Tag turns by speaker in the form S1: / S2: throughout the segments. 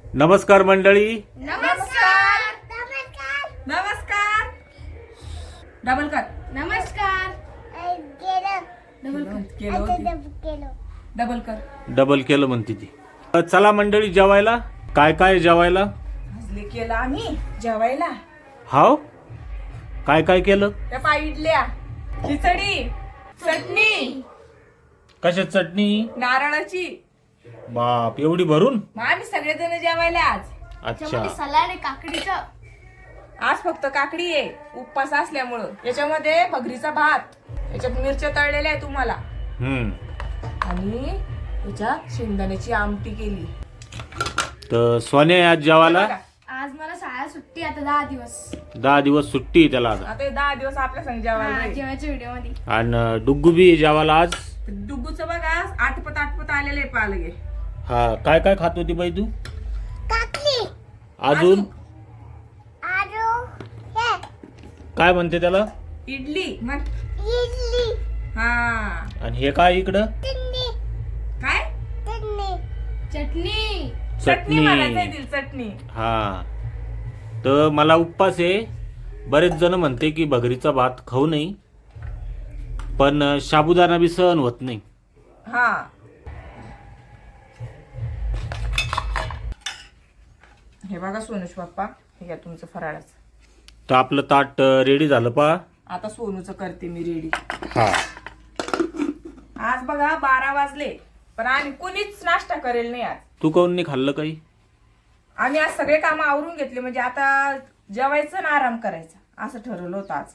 S1: नमस्कार मंडळी.
S2: नमस्कार नमस्कार नमस्कार. डबल कर.
S3: नमस्कार.
S2: डबल कर.
S1: डबल केलं म्हणते ती. चला मंडळी जेवायला. काय काय जेवायला?
S2: भाजले केलं आम्ही जेवायला.
S1: हाव काय काय केलं?
S2: त्या पाय इडल्या, खिचडी, चटणी,
S1: कशात चटणी?
S2: नारळाची.
S1: बाप एवढी भरून?
S2: मग आम्ही सगळेजण जेवायला आज.
S1: अच्छा.
S3: सलाड आहे काकडीचं.
S2: आज फक्त काकडी आहे उपवास असल्यामुळं. याच्यामध्ये भगरीचा भात, याच्यात मिरच्या तळलेल्या आहे तुम्हाला, आणि याच्यात शेंगदाण्याची आमटी केली.
S1: तर सोने आज जेवायला.
S3: आज मला शाळा सुट्टी आता 10 दिवस.
S1: 10 दिवस सुट्टी आहे त्याला आता.
S2: आता हे 10 दिवस आपल्या संग जेवायला आहे.
S3: जेवायच्या व्हिडिओ मध्ये.
S1: आणि डुग्गू बी जेवायला आज.
S2: डुग्गूचं बघा आटपत आलेले पालगे.
S1: हा काय काय खात होती बाई तू?
S3: काकडी.
S1: अजून
S3: आलू.
S1: काय म्हणते त्याला?
S2: इडली मग.
S3: इडली.
S2: हा.
S1: आणि हे काय इकडं?
S2: काय?
S3: चटणी.
S2: चटणी म्हणायचं दिल चटणी.
S1: हा. तर मला उपवास आहे. बरेच जण म्हणते की भगरीचा भात खाऊ नये, पण साबुदाणा बी सहन होत नाही.
S2: हा. हे बघा सोनूच पप्पा, हे घ्या तुमचं फराळाचं.
S1: तर आपलं ताट रेडी झालं पा.
S2: आता सोनूचं करते मी रेडी.
S1: हा.
S2: आज बघा 12 वाजले, पण आम्ही कुणीच नाश्ता करेल नाही आज.
S1: तू काऊन नाही खाल्लं काही?
S2: आम्ही आज सगळे काम आवरून घेतले, म्हणजे आता जेवायचं ना आराम करायचा असं ठरवलं होतं आज.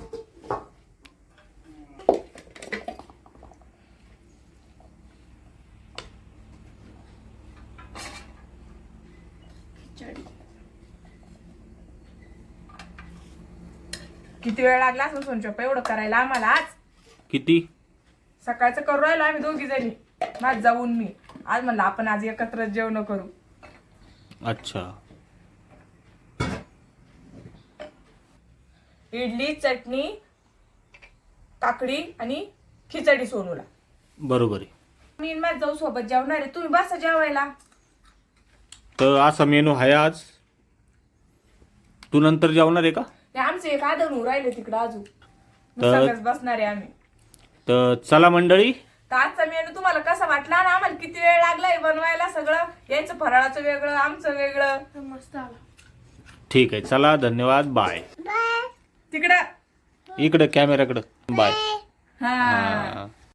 S2: किती वेळ लागला असं सोनचप्पा एवढं करायला आम्हाला आज?
S1: किती?
S2: सकाळचं करू राहिलो आम्ही दोघी जणी, माझ जाऊन मी. आज म्हणलं आपण आज एकत्र जेवण करू.
S1: अच्छा.
S2: इडली, चटणी, काकडी आणि खिचडी सोनूला.
S1: बरोबर आहे.
S2: मी आणि माझ जाऊ सोबत जेवणार आहे, तुम्ही बसा जेवायला.
S1: तर असा मेनू आहे आज. तू नंतर जेवणार आहे का?
S2: ते आमचं एक आदन राहिले तिकडं अजून. मग
S1: तर-
S2: सगळंच बसणार आहे आम्ही.
S1: तर चला मंडळी.
S2: तर आजचा मेनू तुम्हाला कसा वाटला ना? आम्हाला किती वेळ लागलाय बनवायला सगळं. यायचं फराळाचं वेगळं, आमचं वेगळं.
S3: मस्त आला.
S1: ठीक आहे, चला धन्यवाद. बाय.
S2: तिकडं
S1: इकडे कॅमेराकडे. बाय.
S2: हा.
S1: हा.